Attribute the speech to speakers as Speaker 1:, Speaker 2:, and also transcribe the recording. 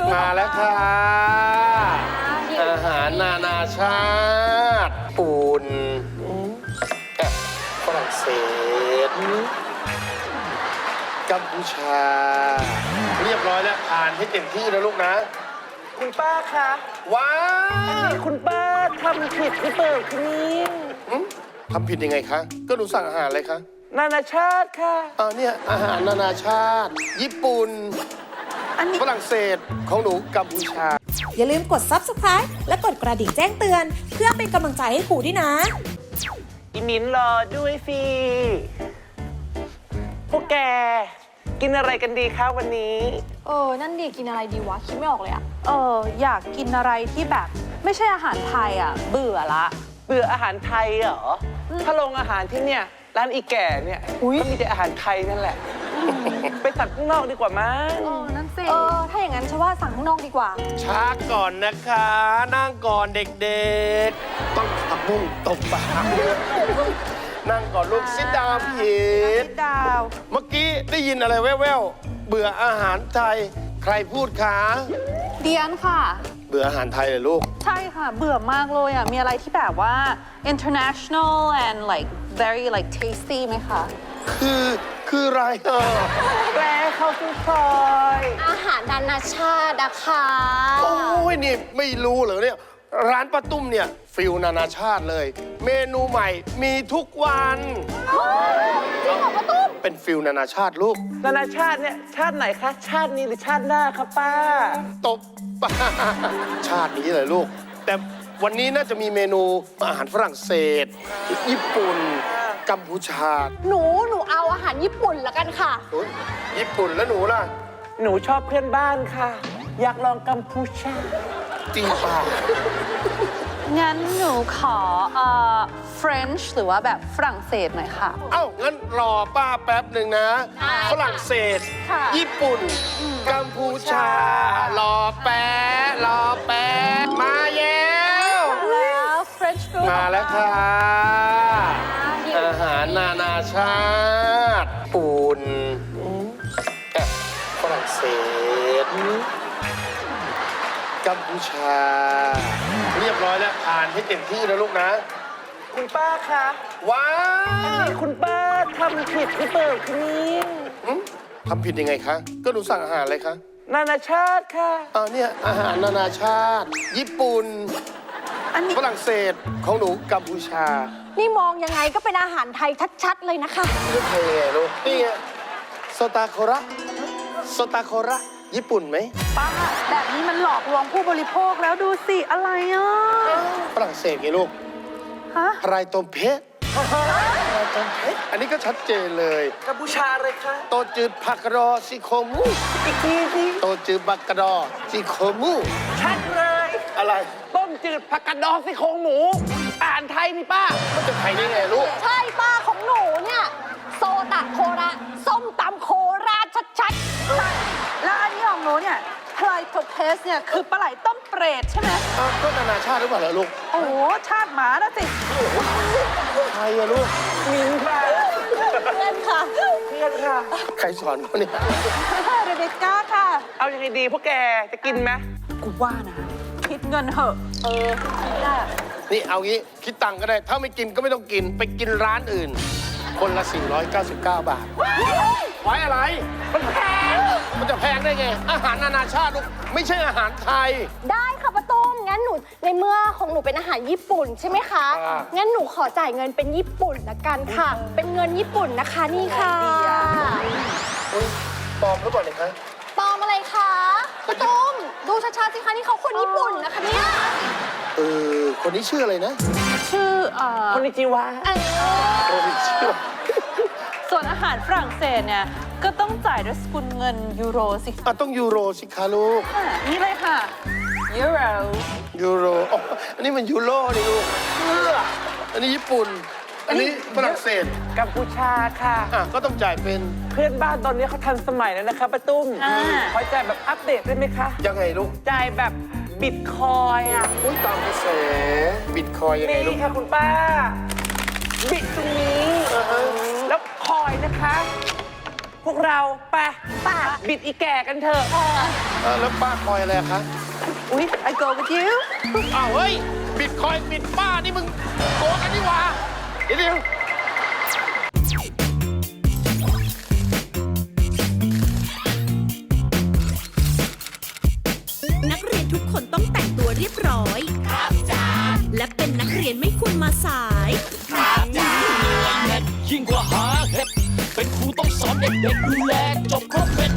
Speaker 1: มาแล้วค่ะอาหารนานาชาติปุ่นฝรั่งเศสกัมพูชาเรียบร้อยแล้วผ่านให้เต็มที่นะลูกนะ
Speaker 2: คุณป้าคะ
Speaker 1: ว้าว
Speaker 2: คุณป้าทำผิดหรือเปล่าคะนี่
Speaker 1: ทำผิดยังไงคะก็หนูสั่งอาหารอะไรคะ
Speaker 2: นานาชาติค่ะ
Speaker 1: เนี่ยอาหารนานาชาติญี่ปุ่นฝรั่งเศสของหนูกัมพูชา
Speaker 3: อย่าลืมกด Subscribe และกดกระดิ่งแจ้งเตือนเพื่อเป็นกำลังใจให้ครูด้วยนะ
Speaker 2: อีมิ้นรอด้วยสิพวกแกกินอะไรกันดีคะวันนี้
Speaker 4: นั่นดิกินอะไรดีวะคิดไม่ออกเลยอะ
Speaker 5: อยากกินอะไรที่แบบไม่ใช่อาหารไทยอ่ะเบื่อละ
Speaker 2: เบื่ออาหารไทยเหรอถ้าโรงอาหารที่เนี่ยร้านอีแก่เนี่ยก็มีแต่อาหารไทยนั่นแหละไปสั่งข้างนอกดีกว่ามั้ง
Speaker 4: นั่นสิถ้าอย่างนั้นฉันว่าสั่งข้างนอกดีกว่า
Speaker 1: ช้าก่อนนะคะนั่งก่อนเด็กๆต้องผักบุ้งตบปากนั่งก่อนลูกซิดดาวผิด
Speaker 5: ดาว
Speaker 1: เมื่อกี้ได้ยินอะไรแว่วๆเบื่ออาหารไทยใครพูดคะ
Speaker 5: เดียนค่ะ
Speaker 1: เบื่ออาหารไทยเลยลูก
Speaker 5: ใช่ค่ะเบื่อมากเลยอ่ะมีอะไรที่แบบว่า international and like very like tasty ไหมคะ
Speaker 1: คืออะไร
Speaker 2: แปลเข้าคุณพลอย
Speaker 4: อาหารนานาชาติอะค่ะ
Speaker 1: โอ้ยนี่ไม่รู้เหรอเนี่ยร้านป้าตุ้มเนี่ยฟิลนานาชาติเลยเมนูใหม่มีทุกวัน
Speaker 4: จริงเหรอป้าตุ้ม
Speaker 1: เป็นฟิลนานาชาติลูก
Speaker 2: นานาชาติเนี่ยชาติไหนคะชาตินี้หรือชาติหน้าคะป้า
Speaker 1: ตบป้าชาตินี้เลยลูกแต่วันนี้น่าจะมีเมนูอาหารฝรั่งเศสญี่ปุ่นกัมพูชา
Speaker 4: หนูเอาอาหารญี่ปุ่นละกันค่ะ
Speaker 1: ญี่ปุ่นแล้วหนูล่ะ
Speaker 2: หนูชอบเพื่อนบ้านค่ะอยากลองกัมพูชา
Speaker 1: จริงป่ะ
Speaker 5: งั้นหนูขอFrench หรือว่าแบบฝรั่งเศสหน่อยค่ะ
Speaker 1: งั้นรอป้าแป๊บหนึ่งนะฝรั่งเศสญี่ปุ่นกัมพูชารอแป๊บมาแล้ว
Speaker 5: French food
Speaker 1: มาแล้วค่ะอาหารนานาชาติปุ่นฝรั่งเศสกัมพูชาเรียบร้อยแล้วผ่านให้เต็มที่นะลูกนะ
Speaker 2: คุณป้าคะ
Speaker 1: ว้าว
Speaker 2: คุณป้าทำผิดหรือเปล่าคะนี่
Speaker 1: ทำผิดยังไงคะก็หนูสั่งอาหารอะไรคะ
Speaker 2: นานาชาติค่ะ
Speaker 1: เนี่ยอาหารนานาชาติญี่ปุ่นฝรั่งเศสของหนูกัมพูชา
Speaker 4: นี่มองยังไงก็เป็นอาหารไทยชัดๆเลยนะคะ
Speaker 1: นี่ไทยไงลูกนี่ไงโซตาโคระญี่ปุ่นไหม
Speaker 5: ป้าแบบนี้มันหลอกลวงผู้บริโภคแล้วดูสิอะไร
Speaker 1: ฝรั่งเศสไงลูกไรตมเพชรอันนี้ก็ชัดเจนเลย
Speaker 2: กัมพูชาเลยค่ะ
Speaker 1: โตจืดผักกระดอซิโคมู
Speaker 2: อีกทีสิ
Speaker 1: โตจืดผักกระดอซิโคมู
Speaker 2: ชัดเลย
Speaker 1: อะไร
Speaker 2: ต้มจืดผักกระดอซี่โครงหมูอ่านไทยนี่ป้า
Speaker 1: มันจะไทยได้ไงลูก
Speaker 4: ใช่ป้าของหนูเนี่ยโซตะโคระส้มตำโคราชชัดๆใช่
Speaker 5: แล้วอันนี้ของหนูเนี่ยพลายโทเพสเนี่ยคือปลาไหลต้มเปรตใช่ไหม
Speaker 1: ก็นานาชาติหรือเปล่าล่ะลูก
Speaker 5: โอ้ชาติหมานะสิ
Speaker 1: ไทยอะลูก
Speaker 2: มิ้นค่ะ
Speaker 4: เพื่อนค่ะ
Speaker 1: ใครสอนเขาเนี่ย
Speaker 5: เรเบคก้าค่ะ
Speaker 2: เอายังไงดีพวกแกจะกินไหม
Speaker 5: กูว่านะคิดเงินเหอะ
Speaker 4: คิดได้
Speaker 1: นี่เอางี้คิดตังค์ก็ได้ถ้าไม่กินก็ไม่ต้องกินไปกินร้านอื่นคนละ499 บาทไว้อะไรมันแพงมันจะแพงได้ไงอาหารนานาชาติลูกไม่ใช่อาหารไทย
Speaker 4: ได้ค่ะป้าตุ้มงั้นหนูในเมื่อของหนูเป็นอาหารญี่ปุ่นใช่ไหมคะงั้นหนูขอจ่ายเงินเป็นญี่ปุ่นละกันค่ะเป็นเงินญี่ปุ่นนะคะนี่ค่ะ
Speaker 1: ปลอมหรือเปล่าเนี่ยคะ
Speaker 4: ปลอมอะไรคะป้าตุ้มดูชัดๆสิคะนี่เขาคนญี่ปุ่นนะคะเนี่ย
Speaker 1: คนนี้ชื่ออะไรนะ
Speaker 5: ชื่อ
Speaker 2: คนนิจิวะ
Speaker 5: ส่วนอาหารฝรั่งเศสเนี่ยก็ต้องจ่ายด้วยสกุลเงินยูโรสิ
Speaker 1: ต้องยูโรสิคะลูก
Speaker 5: นี่เลยค่ะยู
Speaker 1: โรอันนี้มันยูโรนี่ลูกอันนี้ญี่ปุ่นอันนี้ฝรั่งเศส
Speaker 2: กัมพูชาค่ะ
Speaker 1: ก็ต้องจ่ายเป็น
Speaker 2: เพื่อนบ้านตอนนี้เขาทันสมัยแล้วนะคะป้าตุ้มเขาจ่ายแบบอัปเดตได้ไหมคะ
Speaker 1: ยังไงลูก
Speaker 2: จ่ายแบบบิตคอย
Speaker 1: ตามกระแสบิตคอยยังไงลูก
Speaker 2: นี่ค่ะคุณป้าบิตตรงนี้แล้วคอยนะคะพวกเราไปบิดอีแก่กันเถอะ
Speaker 1: แล้วป้าคอยอะไรอะคะ
Speaker 5: อุ๊ย I go with you
Speaker 1: อ้าวเฮ้ย บิตคอยน์บิตป้านี่มึงโกงกันนี่หว่าเดี๋ยว
Speaker 6: นักเรียนทุกคนต้องแต่งตัวเรียบร้อย ครับจ้าและเป็นนักเรียนไม่ควรมาสาย
Speaker 7: ยิ่งกว่าหาเห็ดเป็นครูต้องสอนเด็กๆดูแลจบครบเป็น